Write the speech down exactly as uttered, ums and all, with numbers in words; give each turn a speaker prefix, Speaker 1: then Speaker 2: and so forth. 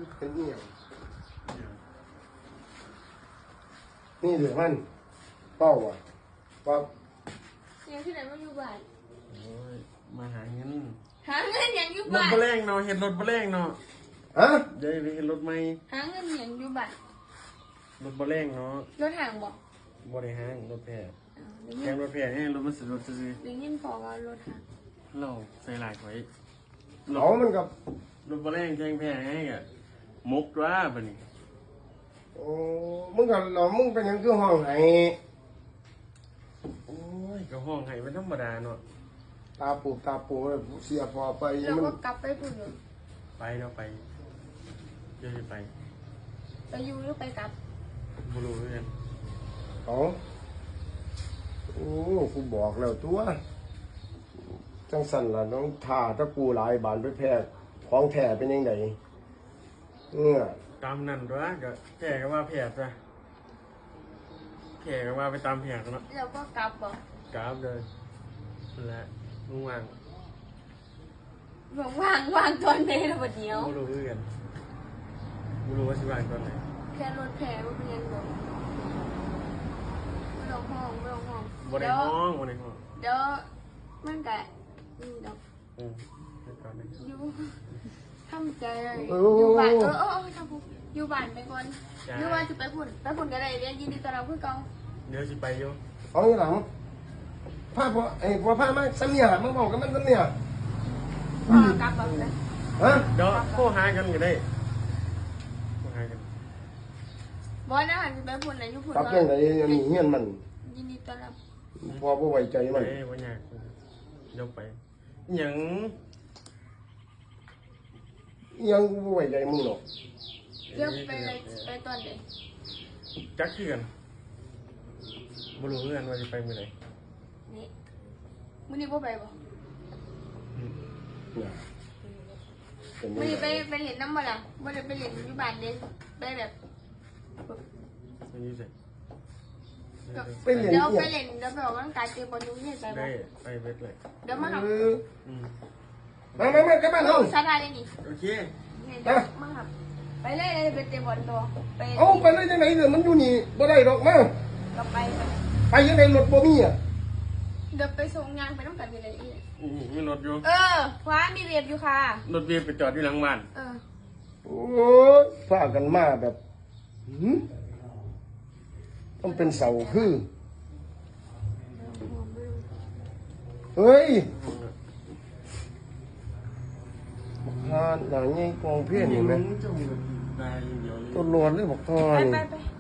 Speaker 1: เป็นเอี่ยงนี่เดี๋ยวมันเป้าอ่ะว่า
Speaker 2: ยังที่ไหนมาอยู่บ้าน
Speaker 3: โอ้ยมาหาเงิน
Speaker 2: หาเงินยังอยู่
Speaker 3: รถ
Speaker 2: บ้าน
Speaker 3: บะแรงเนาะเห็นรถบะแรงเนาะ
Speaker 1: ฮะ
Speaker 3: เดี๋ยวไปเห็นรถไหม
Speaker 2: หาเงินยังอยู่บ้าน
Speaker 3: รถบะแรงเนาะ
Speaker 2: รถห่างบอก
Speaker 3: บ่ได้ห้างรถแพร่
Speaker 2: เดี๋ยว
Speaker 3: แก
Speaker 2: นี้
Speaker 3: งรถแพร่ให้รถมันสะดวกซื้อ
Speaker 2: เดี๋ยวนี้พอว่ารถห่าง
Speaker 3: เราใส่หลายไว้
Speaker 1: เขามันกับ
Speaker 3: รถบะแรงแกงแพร่ให้อ่ะมุกว่าบัดนี้
Speaker 1: โอ้มึงกับเรามึงเป็นยังคือห้องไหน
Speaker 3: โอ้ยก็ห้องให้เป็นธรรมดาเนาะ
Speaker 1: ตาปูตาปูเสียพอไป
Speaker 2: เรา
Speaker 1: มัน
Speaker 2: ก็กลับไปพุ่นอยู่
Speaker 3: ไปเราไปเดี๋ยวจะไป
Speaker 2: ไปอยู่หรือไปกลับ
Speaker 3: บ่รู้เหมือนกัน
Speaker 1: เขาโอ้กูบอกแล้วตัวจังสันล่ะน้องท่าตะกูหลายบานไปแพร่ของแท้เป็นยังไงเออ
Speaker 3: ตามนั่นตัวก็แก่ก็ว่าแพร่ซะแก่ก็ว่าไปตามแพร่เนาะ
Speaker 2: เราก็กลับบอก
Speaker 3: กราฟเลยนั่นแหละลุงวาง
Speaker 2: บอกว่างว่างตอนไหนเราบัดเดียว
Speaker 3: ไม่รู้เรื่องไม่รู้ว่าสิวางตอนไหน
Speaker 2: แค่รถแผลว่าเป็นยังบอกไม่ต้องห้องไม่ต้องห้อง
Speaker 3: บนใน
Speaker 2: เดี๋ยว
Speaker 3: ห้องบนในห้อง
Speaker 2: เดี๋ยวมันกะอืมเดี๋ยว
Speaker 3: อืมเดี๋ยวก่อนนะ
Speaker 2: อยู่ทำใจเลยอยู่บ้านเออเออเออทำปุ๊บอยู่บ้านไปก่อนอยู่บ้านจะไปพุ่นไปพุ่นก็ได้เรียนยินดีต้อนรับเพื่อนเก่า
Speaker 3: เดี๋ยวสิไปอยู่
Speaker 1: เอาอย่างหลังผ้าพอไอ้พอผ้ามาสัญญามึงบอกกันมันสัญญา
Speaker 2: พ่อกลับแบบนั้น
Speaker 1: ฮะ
Speaker 3: เดี๋ยวโทรหากันก็ได้โทรหากัน
Speaker 2: บอยนะหันไปพุ่นไหนอยู่พุ่น
Speaker 1: กลับยังไงอันนี้เฮียนมัน
Speaker 2: ยินดีต้อนรับ
Speaker 1: พอบ่ไว้ใจ
Speaker 3: ไป
Speaker 1: มัน
Speaker 3: วันยากเดี๋ยวไปหยัง
Speaker 1: ยังกูบ่ไว้ใจมึงหรอก
Speaker 2: เดี๋ยวไปเลยไปตอนไหน
Speaker 3: จักคือกันไม่รู้เรื่องว่าจะไปเมื่อไหร่
Speaker 2: นี่มื้อนี้บ่ไปบ่
Speaker 1: เนี่ยเป็น
Speaker 2: มื้อนี้
Speaker 1: ยัง
Speaker 2: ไป
Speaker 1: ไง
Speaker 2: ไปเล่นน้ำบ่ล่ะบ่ได้ไปเล่นอยู่บ้านเด้ไปแบบ
Speaker 3: ไม่ยุ่งสิ
Speaker 1: ไปเรียน
Speaker 2: เดี๋ยว
Speaker 1: เอี่
Speaker 2: ไป
Speaker 1: ยง
Speaker 2: เล่นเดี๋ยวไปออกกำลังกายเตะบอลอยู่เนี่ยใจบ่
Speaker 3: ได้ไปเวทเลย
Speaker 2: เดี๋ยวมาหับ
Speaker 1: เออ
Speaker 3: อืม
Speaker 1: มามามากับบ้านเฮา
Speaker 2: สาธารณะนี่
Speaker 3: โอเค
Speaker 2: เนี่ยเดี๋ยวมาหับไปเลยเลยไปเตะบอลตัวไป
Speaker 1: เอาไปเลยจังไหนเนี่ยมันอยู่นี่บ่ได้ดอกมา
Speaker 2: ก็ไปไป
Speaker 1: ไปยังไงรถบ่มีอ่ะ
Speaker 2: เดี๋ยวไปส่งงานไปต้องกันไปเลยอีก
Speaker 3: อืมมีรถอยู่
Speaker 2: เออว้ามีเรียบอยู่ค่ะ
Speaker 3: รถเบียร์ไปจอดที่หลังบ้าน
Speaker 2: เออ
Speaker 1: โอ้ยพากันมาแบบหืมต้องเป็นเสาคือเฮ้ยบักฮานหนังไงกองเพี้ยนเห็นไหม
Speaker 3: จะมีได้อย่างเดียวเลย
Speaker 1: ตัวโลนเลยบอกทอ
Speaker 2: ไป
Speaker 1: น
Speaker 2: ไปไป